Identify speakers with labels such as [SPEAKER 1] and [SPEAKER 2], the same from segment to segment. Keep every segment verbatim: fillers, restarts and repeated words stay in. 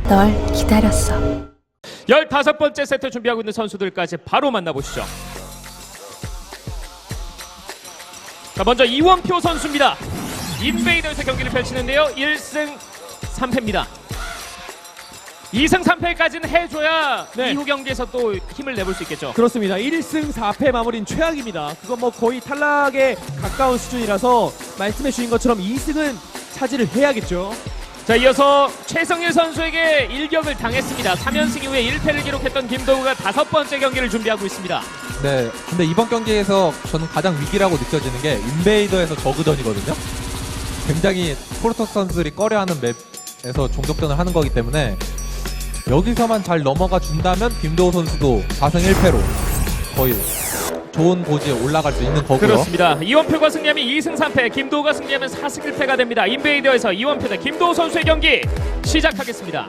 [SPEAKER 1] 널 기다렸어.
[SPEAKER 2] 열다섯 번째 세트 준비하고 있는 선수들까지 바로 만나보시죠. 자, 먼저 이원표 선수입니다. 인베이더에서 경기를 펼치는데요. 일 승 삼 패입니다. 이 승 삼 패까지는 해줘야
[SPEAKER 3] 네.
[SPEAKER 2] 이후 경기에서 또 힘을 내볼 수 있겠죠.
[SPEAKER 3] 그렇습니다. 일 승 사 패 마무리는 최악입니다. 그건 뭐 거의 탈락에 가까운 수준이라서 말씀해 주신 것처럼 이 승은 차지를 해야겠죠.
[SPEAKER 2] 자, 이어서 최성일 선수에게 일격을 당했습니다. 삼 연승 이후에 일 패를 기록했던 김도우가 다섯 번째 경기를 준비하고 있습니다.
[SPEAKER 4] 네, 근데 이번 경기에서 저는 가장 위기라고 느껴지는 게 인베이더에서 저그전이거든요. 굉장히 프로토스 선수들이 꺼려하는 맵에서 종족전을 하는 거기 때문에 여기서만 잘 넘어가 준다면 김도우 선수도 사 승 일 패로 거의 좋은 고지에 올라갈 수 있는 거고요.
[SPEAKER 2] 그렇습니다. 이원표가 승리하면 이 승 삼 패, 김도우가 승리하면 사 승 일 패가 됩니다. 인베이더에서 이원표 대 김도우 선수의 경기 시작하겠습니다.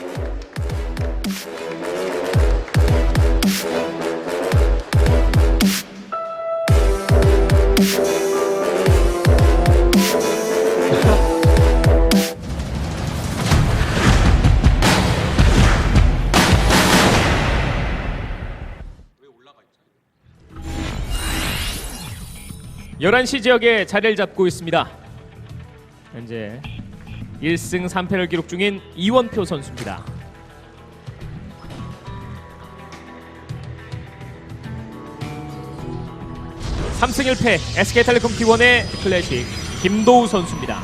[SPEAKER 2] 열한 시 지역에 자리를 잡고 있습니다. 현재 일 승 삼 패를 기록 중인 이원표 선수입니다. 삼 승 일 패 에스케이텔레콤 티 원의 클래식 김도우 선수입니다.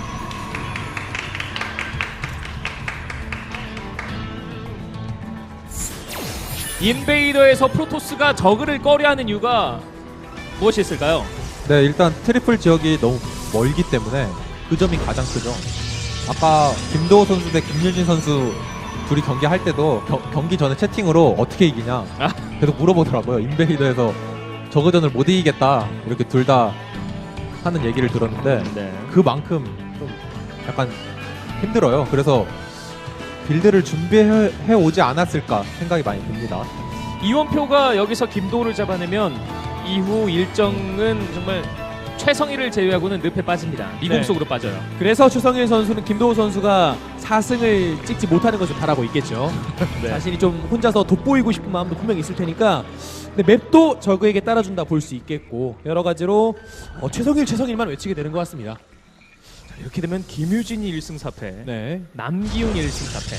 [SPEAKER 2] 인베이더에서 프로토스가 저그를 꺼려하는 이유가 무엇이 있을까요?
[SPEAKER 4] 네, 일단 트리플 지역이 너무 멀기 때문에 그 점이 가장 크죠. 아까 김도호 선수 대 김유진 선수 둘이 경기할 때도 겨, 경기 전에 채팅으로 어떻게 이기냐
[SPEAKER 2] 아.
[SPEAKER 4] 계속 물어보더라고요. 인베이더에서 저그전을 못 이기겠다 이렇게 둘 다 하는 얘기를 들었는데
[SPEAKER 2] 네.
[SPEAKER 4] 그만큼 좀 약간 힘들어요. 그래서 빌드를 준비해 오지 않았을까 생각이 많이 듭니다.
[SPEAKER 2] 이원표가 여기서 김도우를 잡아내면 이후 일정은 정말 최성일을 제외하고는 늪에 빠집니다. 미국
[SPEAKER 3] 네.
[SPEAKER 2] 속으로 빠져요.
[SPEAKER 3] 그래서 최성일 선수는 김도우 선수가 사 승을 찍지 못하는 것을 바라고 있겠죠.
[SPEAKER 2] 네.
[SPEAKER 3] 자신이 좀 혼자서 돋보이고 싶은 마음도 분명히 있을 테니까. 근데 맵도 저그에게 따라준다 볼 수 있겠고 여러 가지로 어, 최성일 최성일만 외치게 되는 것 같습니다.
[SPEAKER 2] 자, 이렇게 되면 김유진이 일 승 사 패,
[SPEAKER 3] 네.
[SPEAKER 2] 남기훈이 일 승 사 패.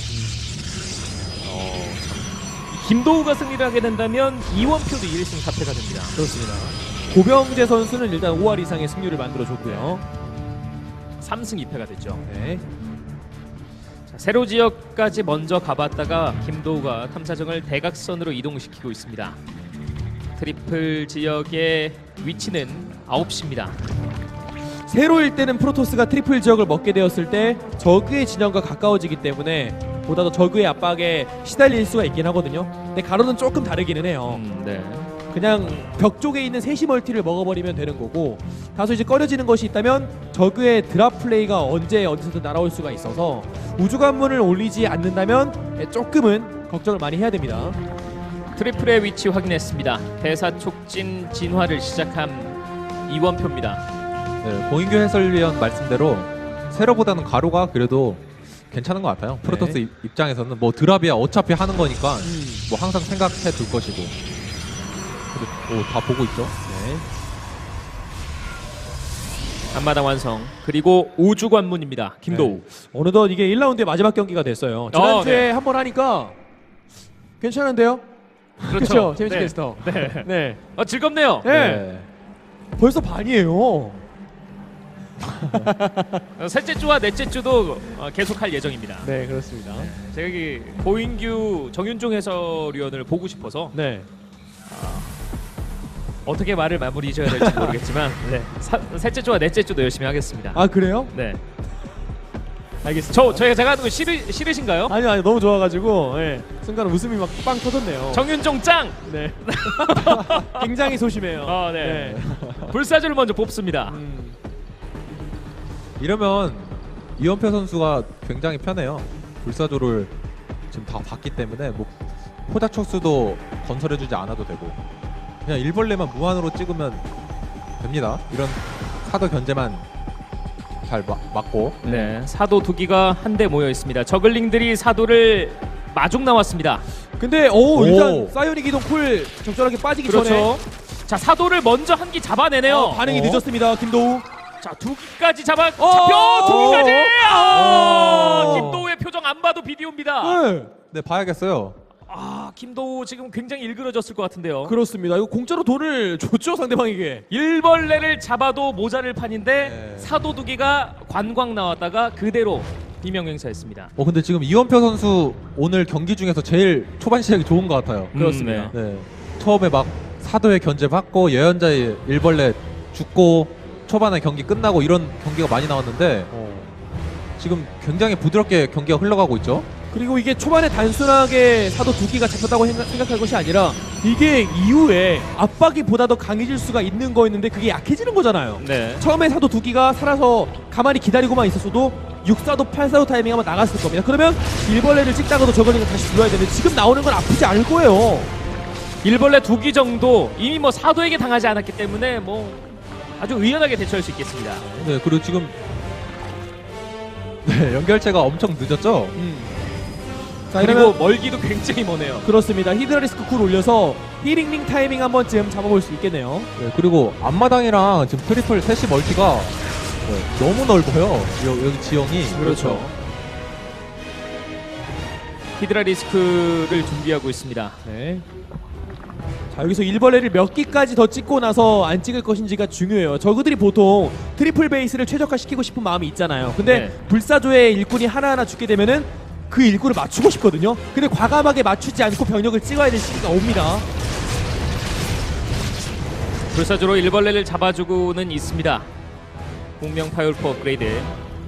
[SPEAKER 2] 어, 참. 김도우가 승리를 하게 된다면 이원표도 일 승 사 패가 됩니다.
[SPEAKER 3] 그렇습니다. 고병재 선수는 일단 오 할 이상의 승률을 만들어줬고요.
[SPEAKER 2] 삼 승 이 패가 됐죠.
[SPEAKER 3] 네.
[SPEAKER 2] 자, 세로 지역까지 먼저 가봤다가 김도우가 탐사정을 대각선으로 이동시키고 있습니다. 트리플 지역의 위치는 아홉 시입니다.
[SPEAKER 3] 세로일 때는 프로토스가 트리플 지역을 먹게 되었을 때 저그의 진영과 가까워지기 때문에 보다 더 저그의 압박에 시달릴 수가 있긴 하거든요. 근데 가로는 조금 다르기는 해요.
[SPEAKER 2] 음, 네.
[SPEAKER 3] 그냥 벽 쪽에 있는 셋이 멀티를 먹어버리면 되는 거고 다소 이제 꺼려지는 것이 있다면 저그의 드랍 플레이가 언제 어디서든 날아올 수가 있어서 우주 관문을 올리지 않는다면 조금은 걱정을 많이 해야 됩니다.
[SPEAKER 2] 트리플의 위치 확인했습니다. 대사촉진 진화를 시작한 이원표입니다.
[SPEAKER 4] 네, 공인규 해설위원 말씀대로 세로보다는 가로가 그래도 괜찮은 것 같아요. 프로토스
[SPEAKER 3] 네.
[SPEAKER 4] 입- 입장에서는 뭐 드랍이야 어차피 하는 거니까
[SPEAKER 3] 음.
[SPEAKER 4] 뭐 항상 생각해 둘 것이고. 근데 오, 다 보고 있죠.
[SPEAKER 3] 네.
[SPEAKER 2] 앞마당 완성. 그리고 우주 관문입니다. 김도우.
[SPEAKER 3] 네. 어느덧 이게 일 라운드의 마지막 경기가 됐어요. 지난주에
[SPEAKER 2] 네.
[SPEAKER 3] 한 번 하니까 괜찮은데요? 그렇죠. 재밌게
[SPEAKER 2] 네.
[SPEAKER 3] 캐스터.
[SPEAKER 2] 네.
[SPEAKER 3] 네.
[SPEAKER 2] 어, 즐겁네요.
[SPEAKER 3] 네. 벌써 반이에요.
[SPEAKER 2] 어, 셋째 주와 넷째 주도 어, 계속할 예정입니다.
[SPEAKER 3] 네, 그렇습니다.
[SPEAKER 2] 제가 이 고인규 정윤종 해설위원을 보고 싶어서
[SPEAKER 3] 네.
[SPEAKER 2] 어떻게 말을 마무리 지어야 될지 모르겠지만 네. 사, 셋째 주와 넷째 주도 열심히 하겠습니다.
[SPEAKER 3] 아, 그래요?
[SPEAKER 2] 네.
[SPEAKER 3] 알겠습니다.
[SPEAKER 2] 저 저희가 제가 하는 거 싫으, 싫으신가요?
[SPEAKER 3] 아니요, 아니요. 너무 좋아가지고 예. 순간 웃음이 막 빵 터졌네요.
[SPEAKER 2] 정윤종 짱.
[SPEAKER 3] 네. 굉장히 소심해요.
[SPEAKER 2] 어, 네. 불사조를 먼저 뽑습니다.
[SPEAKER 3] 음,
[SPEAKER 4] 이러면 이원표 선수가 굉장히 편해요. 불사조를 지금 다 봤기 때문에 뭐 포자촉수도 건설해주지 않아도 되고 그냥 일벌레만 무한으로 찍으면 됩니다. 이런 사도 견제만 잘 마, 막고
[SPEAKER 2] 네, 사도 두 기가 한데 모여 있습니다. 저글링들이 사도를 마중 나왔습니다.
[SPEAKER 3] 근데 오,
[SPEAKER 4] 오.
[SPEAKER 3] 일단 사이오닉 이동 쿨 적절하게 빠지기 전에
[SPEAKER 2] 그렇죠. 자, 사도를 먼저 한 기 잡아내네요.
[SPEAKER 3] 어, 반응이
[SPEAKER 4] 어.
[SPEAKER 3] 늦었습니다. 김도우.
[SPEAKER 2] 자, 두 기까지 잡아
[SPEAKER 3] 어,
[SPEAKER 2] 잡혀 두 기까지. 아,
[SPEAKER 3] 어.
[SPEAKER 2] 김도우의 표정 안 봐도 비디오입니다.
[SPEAKER 3] 네.
[SPEAKER 4] 네, 봐야겠어요.
[SPEAKER 2] 아, 김도우 지금 굉장히 일그러졌을 것 같은데요.
[SPEAKER 3] 그렇습니다. 이거 공짜로 돈을 줬죠 상대방에게.
[SPEAKER 2] 일벌레를 잡아도 모자를 판인데
[SPEAKER 4] 네.
[SPEAKER 2] 사도 두 기가 관광 나왔다가 그대로 비명 행사했습니다.
[SPEAKER 4] 어 근데 지금 이원표 선수 오늘 경기 중에서 제일 초반 시작이 좋은 것 같아요.
[SPEAKER 3] 그렇습니다.
[SPEAKER 2] 음, 네.
[SPEAKER 4] 네. 처음에 막 사도의 견제 받고 예언자의 일벌레 죽고 초반에 경기 끝나고 이런 경기가 많이 나왔는데 지금 굉장히 부드럽게 경기가 흘러가고 있죠.
[SPEAKER 3] 그리고 이게 초반에 단순하게 사도 두 기가 잡혔다고 생각- 생각할 것이 아니라 이게 이후에 압박이 보다 더 강해질 수가 있는 거였는데 그게 약해지는 거잖아요.
[SPEAKER 2] 네.
[SPEAKER 3] 처음에 사도 두 기가 살아서 가만히 기다리고만 있었어도 육 사도, 팔 사도 타이밍 하면 나갔을 겁니다. 그러면 일벌레를 찍다가도 저걸링을 다시 불러야 되는데 지금 나오는 건 아프지 않을 거예요.
[SPEAKER 2] 일벌레 두 기 정도 이미 뭐 사도에게 당하지 않았기 때문에 뭐 아주 의연하게 대처할 수 있겠습니다.
[SPEAKER 4] 네 그리고 지금 네 연결체가 엄청 늦었죠.
[SPEAKER 3] 음. 자,
[SPEAKER 2] 그리고
[SPEAKER 3] 이러면
[SPEAKER 2] 멀기도 굉장히 머네요.
[SPEAKER 3] 그렇습니다. 히드라리스크 쿨 올려서 힐링링 타이밍 한 번쯤 잡아볼 수 있겠네요.
[SPEAKER 4] 네, 그리고 앞마당이랑 지금 트리플 셋이 멀티가 네, 너무 넓어요. 여, 여기 지형이.
[SPEAKER 3] 그렇죠.
[SPEAKER 2] 히드라 리스크를 준비하고 있습니다.
[SPEAKER 3] 네. 자, 여기서 일벌레를 몇 기까지 더 찍고 나서 안 찍을 것인지가 중요해요. 저그들이 보통 트리플 베이스를 최적화시키고 싶은 마음이 있잖아요. 근데
[SPEAKER 2] 네.
[SPEAKER 3] 불사조의 일꾼이 하나하나 죽게 되면은 그 일꾼을 맞추고 싶거든요. 근데 과감하게 맞추지 않고 병력을 찍어야 될 시기가 옵니다.
[SPEAKER 2] 불사조로 일벌레를 잡아주고는 있습니다. 공명 파이올프 업그레이드.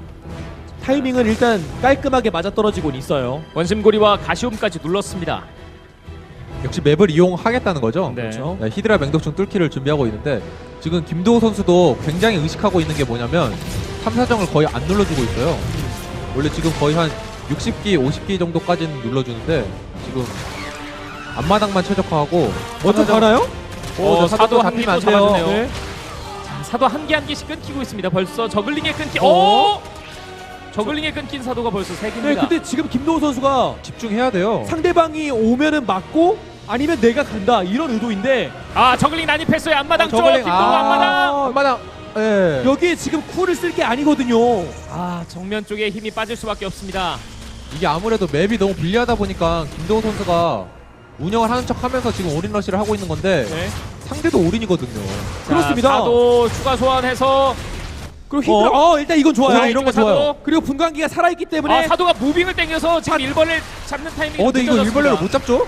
[SPEAKER 3] 타이밍은 일단 깔끔하게 맞아떨어지고는 있어요.
[SPEAKER 2] 원심고리와 가시움까지 눌렀습니다.
[SPEAKER 4] 역시 맵을 이용하겠다는 거죠.
[SPEAKER 2] 네.
[SPEAKER 3] 그렇죠.
[SPEAKER 4] 네, 히드라 맹독충 뚫기를 준비하고 있는데 지금 김도호 선수도 굉장히 의식하고 있는 게 뭐냐면 탐사정을 거의 안 눌러주고 있어요. 원래 지금 거의 한 육십 기, 오십 기 정도까지는 눌러주는데 지금 앞마당만 최적화하고
[SPEAKER 3] 먼저
[SPEAKER 4] 탐사정-
[SPEAKER 3] 가나요?
[SPEAKER 2] 오,
[SPEAKER 4] 네,
[SPEAKER 2] 사도 한
[SPEAKER 4] 잡히면
[SPEAKER 2] 기도
[SPEAKER 4] 안 돼요.
[SPEAKER 2] 잡아주네요.
[SPEAKER 3] 네.
[SPEAKER 2] 자, 사도 한 개 한 개씩 끊기고 있습니다. 벌써 저글링에 끊기.
[SPEAKER 3] 어?
[SPEAKER 2] 오! 저글링에 끊긴 사도가 벌써 세
[SPEAKER 3] 네,
[SPEAKER 2] 개입니다.
[SPEAKER 3] 근데 지금 김도호 선수가
[SPEAKER 4] 집중해야 돼요.
[SPEAKER 3] 상대방이 오면은 맞고 아니면 내가 간다 이런 의도인데
[SPEAKER 2] 아, 저글링 난입했어요. 앞마당 쪽.
[SPEAKER 4] 저글링,
[SPEAKER 2] 김도우
[SPEAKER 4] 아,
[SPEAKER 2] 앞마당.
[SPEAKER 4] 앞마당. 예.
[SPEAKER 3] 여기에 지금 쿨을 쓸 게 아니거든요.
[SPEAKER 2] 아, 정면 쪽에 힘이 빠질 수밖에 없습니다.
[SPEAKER 4] 이게 아무래도 맵이 너무 불리하다 보니까 김도호 선수가 운영을 하는 척하면서 지금 올인 러시를 하고 있는 건데
[SPEAKER 3] 네.
[SPEAKER 4] 상대도 올인이거든요.
[SPEAKER 2] 자,
[SPEAKER 3] 그렇습니다.
[SPEAKER 2] 사도 추가 소환해서
[SPEAKER 3] 그리고 히드라 어, 일단 이건 좋아요.
[SPEAKER 2] 자,
[SPEAKER 3] 이런 거
[SPEAKER 2] 사도.
[SPEAKER 3] 좋아요. 그리고 분광기가 살아있기 때문에
[SPEAKER 2] 아, 사도가 무빙을 땡겨서 지금 일벌레 잡는 타이밍이
[SPEAKER 4] 어, 근데 이거
[SPEAKER 2] 늦어졌습니다.
[SPEAKER 4] 일벌레를 못 잡죠?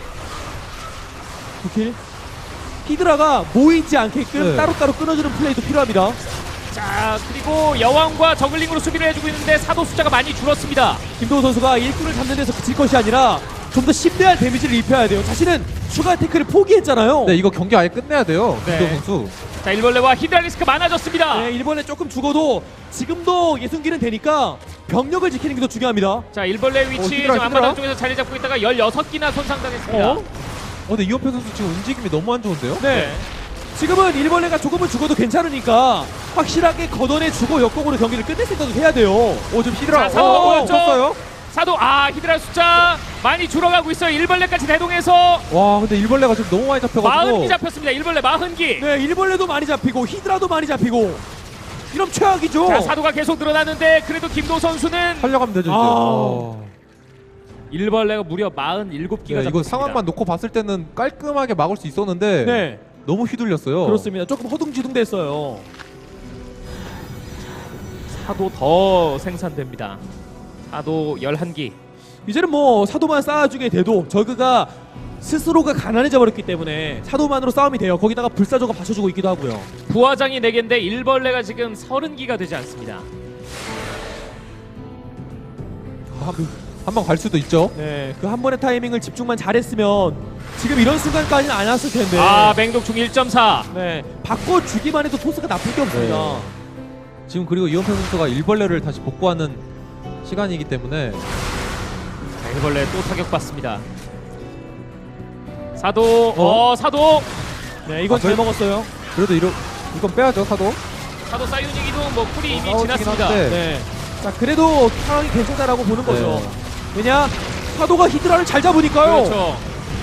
[SPEAKER 3] 오케이. 히드라가 모이지 않게끔
[SPEAKER 4] 네.
[SPEAKER 3] 따로따로 끊어주는 플레이도 필요합니다.
[SPEAKER 2] 자, 그리고 여왕과 저글링으로 수비를 해주고 있는데 사도 숫자가 많이 줄었습니다.
[SPEAKER 3] 김도호 선수가 일꾼을 잡는 데서 그칠 것이 아니라 좀 더 심대한 데미지를 입혀야 돼요. 자신은 추가 태클을 포기했잖아요.
[SPEAKER 4] 네, 이거 경기 아예 끝내야 돼요.
[SPEAKER 2] 네.
[SPEAKER 4] 김도호 선수.
[SPEAKER 2] 자, 일벌레와 히드라 리스크 많아졌습니다.
[SPEAKER 3] 네, 일본에 조금 죽어도 지금도 예순기는 되니까 병력을 지키는 게 더 중요합니다.
[SPEAKER 2] 자, 일벌레 위치
[SPEAKER 4] 어, 히드라,
[SPEAKER 2] 지금 앞마당
[SPEAKER 4] 히드라.
[SPEAKER 2] 쪽에서 자리 잡고 있다가 열여섯 기나 손상당했습니다.
[SPEAKER 3] 어?
[SPEAKER 4] 어, 근데 이원표 선수 지금 움직임이 너무 안 좋은데요?
[SPEAKER 3] 네. 지금은 일벌레가 조금은 죽어도 괜찮으니까 확실하게 걷어내주고 역공으로 경기를 끝낼 생각을 해야 돼요.
[SPEAKER 4] 오, 지금 히드라.
[SPEAKER 2] 자, 사도
[SPEAKER 4] 어, 어,
[SPEAKER 2] 오른쪽.
[SPEAKER 4] 쳤어요?
[SPEAKER 2] 사도 아, 히드라 숫자 많이 줄어가고 있어요. 일벌레까지 대동해서
[SPEAKER 4] 와, 근데 일벌레가 지금 너무 많이 잡혀가지고.
[SPEAKER 2] 마흔 기 잡혔습니다. 일벌레 마흔 기.
[SPEAKER 3] 네, 일벌레도 많이 잡히고 히드라도 많이 잡히고 이러면 최악이죠.
[SPEAKER 2] 자, 사도가 계속 늘어나는데 그래도 김도우 선수는
[SPEAKER 4] 살려가면 되죠, 이제.
[SPEAKER 3] 아.
[SPEAKER 4] 어.
[SPEAKER 2] 일벌레가 무려 마흔일곱 기가
[SPEAKER 4] 네, 이거
[SPEAKER 2] 잡혔습니다.
[SPEAKER 4] 상황만 놓고 봤을 때는 깔끔하게 막을 수 있었는데
[SPEAKER 3] 네,
[SPEAKER 4] 너무 휘둘렸어요.
[SPEAKER 3] 그렇습니다. 조금 허둥지둥됐어요.
[SPEAKER 2] 사도 더 생산됩니다. 사도 열한 기.
[SPEAKER 3] 이제는 뭐 사도만 쌓아주게 돼도 저그가 스스로가 가난해져 버렸기 때문에 사도만으로 싸움이 돼요. 거기다가 불사조가 받쳐주고 있기도 하고요.
[SPEAKER 2] 부화장이 네 개인데 일벌레가 지금 서른 기가 되지 않습니다.
[SPEAKER 4] 한 번 갈 수도 있죠.
[SPEAKER 3] 네, 그 한 번의 타이밍을 집중만 잘했으면 지금 이런 순간까지는 안 왔을 텐데.
[SPEAKER 2] 아, 맹독충 일 점 사.
[SPEAKER 3] 네, 바꿔주기만 해도 토스가 나쁠 게 없습니다.
[SPEAKER 4] 네. 지금 그리고 이원표 선수가 일벌레를 다시 복구하는 시간이기 때문에
[SPEAKER 2] 자, 일벌레 또 타격받습니다. 사도 어,
[SPEAKER 4] 어?
[SPEAKER 2] 사도
[SPEAKER 3] 네, 이건
[SPEAKER 4] 아,
[SPEAKER 3] 잘
[SPEAKER 4] 그래?
[SPEAKER 3] 먹었어요.
[SPEAKER 4] 그래도 이러, 이건 빼야죠, 사도.
[SPEAKER 2] 사도 사이오닉 이동 뭐 쿨이 이미
[SPEAKER 4] 싸워지긴
[SPEAKER 2] 지났습니다.
[SPEAKER 4] 한데.
[SPEAKER 3] 네. 자, 그래도 상황이 괜찮다라고 보는 거죠.
[SPEAKER 4] 네.
[SPEAKER 3] 왜냐? 사도가 히드라를 잘 잡으니까요.
[SPEAKER 2] 그렇죠.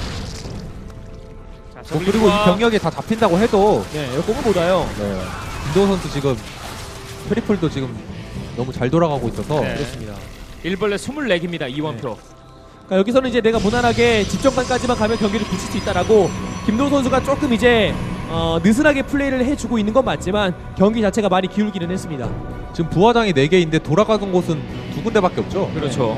[SPEAKER 2] 자,
[SPEAKER 4] 뭐 그리고 이 병력이 다 잡힌다고 해도
[SPEAKER 3] 네, 에어공은 못 와요.
[SPEAKER 4] 네. 김도호 선수 지금 트리플도 지금 너무 잘 돌아가고 있어서
[SPEAKER 2] 네.
[SPEAKER 3] 그렇습니다.
[SPEAKER 2] 일벌레 스물네 개입니다. 이원표.
[SPEAKER 3] 그러니까 여기서는 이제 내가 무난하게 집정관까지만 가면 경기를 붙일 수 있다라고 김도호 선수가 조금 이제 어, 느슨하게 플레이를 해주고 있는 건 맞지만 경기 자체가 많이 기울기는 했습니다.
[SPEAKER 4] 지금 부화장이 네 개인데 돌아가는 곳은 두 군데밖에 없죠.
[SPEAKER 2] 그렇죠.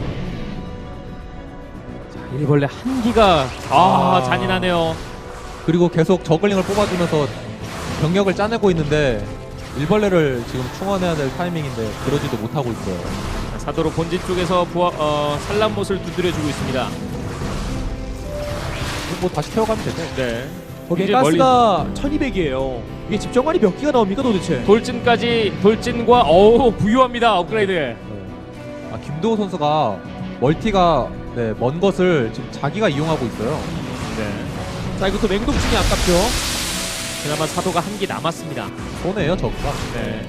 [SPEAKER 2] 자, 일벌레 한 기가 아,
[SPEAKER 3] 아.
[SPEAKER 2] 잔인하네요.
[SPEAKER 4] 그리고 계속 저글링을 뽑아주면서 병력을 짜내고 있는데 일벌레를 지금 충원해야 될 타이밍인데 그러지도 못하고 있어요.
[SPEAKER 2] 자, 사도로 본진 쪽에서 부하, 어, 산란못을 두드려주고 있습니다.
[SPEAKER 4] 뭐 다시 태워가면 되죠.
[SPEAKER 2] 네.
[SPEAKER 3] 거기에
[SPEAKER 2] 이제
[SPEAKER 3] 가스가 천이백이에요. 이게 집정관이 몇 기가 나옵니까 도대체?
[SPEAKER 2] 돌진까지 돌진과 어우 부유합니다. 업그레이드.
[SPEAKER 4] 네. 아 김도호 선수가 멀티가 네, 먼 것을 지금 자기가 이용하고 있어요.
[SPEAKER 2] 네.
[SPEAKER 3] 자, 이것도 맹독충이 아깝죠.
[SPEAKER 2] 그나마 사도가 한 기 남았습니다.
[SPEAKER 4] 손해예요 저거가.
[SPEAKER 2] 네.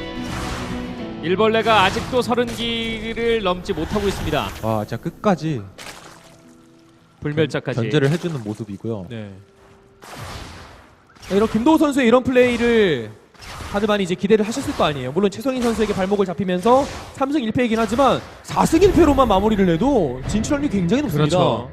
[SPEAKER 2] 일벌레가 아직도 서른 기를 넘지 못하고 있습니다.
[SPEAKER 4] 와 진짜 끝까지
[SPEAKER 2] 불멸자까지.
[SPEAKER 4] 견제를 해주는 모습이고요.
[SPEAKER 3] 네. 자, 이런 김도호 선수의 이런 플레이를 다들 많이 이제 기대를 하셨을 거 아니에요. 물론 최성인 선수에게 발목을 잡히면서 삼 승 일 패이긴 하지만 사 승 일 패로만 마무리를 해도 진출 확률이 굉장히 높습니다.
[SPEAKER 2] 그렇죠.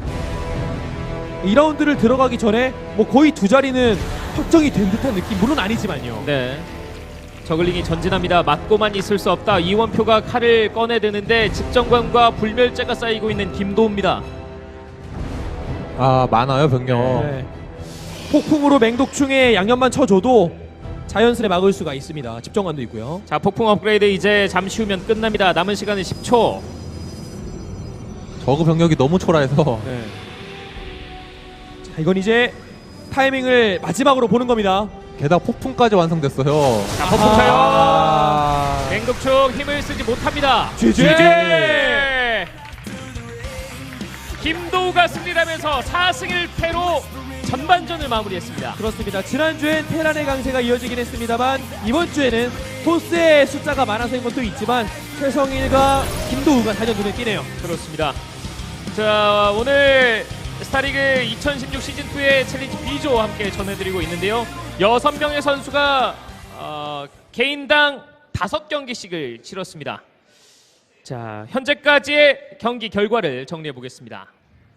[SPEAKER 3] 이 라운드를 들어가기 전에 뭐 거의 두 자리는 확정이 된 듯한 느낌, 물론 아니지만요.
[SPEAKER 2] 네. 저글링이 전진합니다. 맞고만 있을 수 없다. 이원표가 칼을 꺼내드는데 집정관과 불멸자가 쌓이고 있는 김도우입니다.
[SPEAKER 4] 아 많아요 병력.
[SPEAKER 3] 네. 폭풍으로 맹독충에 양념만 쳐줘도 자연스레 막을 수가 있습니다. 집정관도 있고요.
[SPEAKER 2] 자, 폭풍 업그레이드 이제 잠시 후면 끝납니다. 남은 시간은 십 초.
[SPEAKER 4] 저그 병력이 너무 초라해서
[SPEAKER 3] 네. 자, 이건 이제 타이밍을 마지막으로 보는 겁니다.
[SPEAKER 4] 게다가 폭풍까지 완성됐어요.
[SPEAKER 2] 자, 폭풍 차요.
[SPEAKER 4] 아...
[SPEAKER 2] 맹독충 힘을 쓰지 못합니다.
[SPEAKER 3] 지지!
[SPEAKER 2] 김도우가 승리하면서 사 승 일 패로 전반전을 마무리했습니다.
[SPEAKER 3] 그렇습니다. 지난주엔 테란의 강세가 이어지긴 했습니다만 이번 주에는 토스의 숫자가 많아서인 것도 있지만 최성일과 김도우가 단연 눈에 띄네요.
[SPEAKER 2] 그렇습니다. 자, 오늘 스타리그 이천십육 시즌이의 챌린지 B조 함께 전해드리고 있는데요. 여섯 명의 선수가 어, 개인당 다섯 경기씩을 치렀습니다. 자, 현재까지의 경기 결과를 정리해 보겠습니다.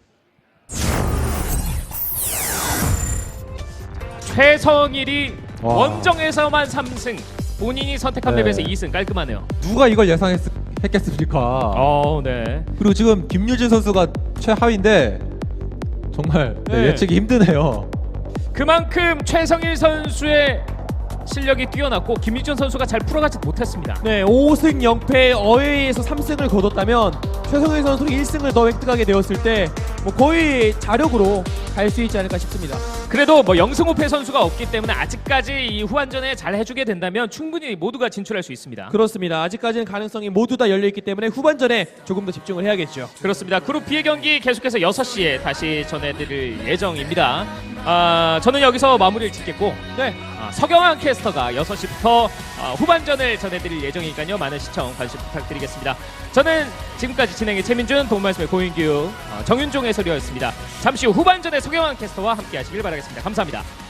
[SPEAKER 2] 최성일이
[SPEAKER 4] 와.
[SPEAKER 2] 원정에서만 삼 승, 본인이 선택한
[SPEAKER 4] 네.
[SPEAKER 2] 맵에서 이 승, 깔끔하네요.
[SPEAKER 4] 누가 이걸 예상했겠습니까?
[SPEAKER 2] 어, 네.
[SPEAKER 4] 그리고 지금 김유진 선수가 최하위인데 정말 네,
[SPEAKER 3] 네.
[SPEAKER 4] 예측이 힘드네요.
[SPEAKER 2] 그만큼 최성일 선수의 실력이 뛰어났고 김유준 선수가 잘 풀어가지 못했습니다.
[SPEAKER 3] 네, 오 승 영 패 어웨이에서 삼 승을 거뒀다면 최성일 선수는 일 승을 더 획득하게 되었을 때 뭐 거의 자력으로 갈 수 있지 않을까 싶습니다.
[SPEAKER 2] 그래도 뭐 영승 오 패 선수가 없기 때문에 아직까지 이 후반전에 잘 해주게 된다면 충분히 모두가 진출할 수 있습니다.
[SPEAKER 3] 그렇습니다. 아직까지는 가능성이 모두 다 열려있기 때문에 후반전에 조금 더 집중을 해야겠죠.
[SPEAKER 2] 그렇습니다. 그룹 B의 경기 계속해서 여섯 시에 다시 전해드릴 예정입니다. 아, 저는 여기서 마무리를 짓겠고
[SPEAKER 3] 네,
[SPEAKER 2] 아, 서경환 캐스터가 여섯 시부터 아, 후반전을 전해드릴 예정이니까요. 많은 시청 관심 부탁드리겠습니다. 저는 지금까지 진행의 최민준, 도움말씀의 고인규, 어, 정윤종 해설위원이었습니다. 잠시 후 후반전의 서경환 캐스터와 함께 하시길 바라겠습니다. 감사합니다.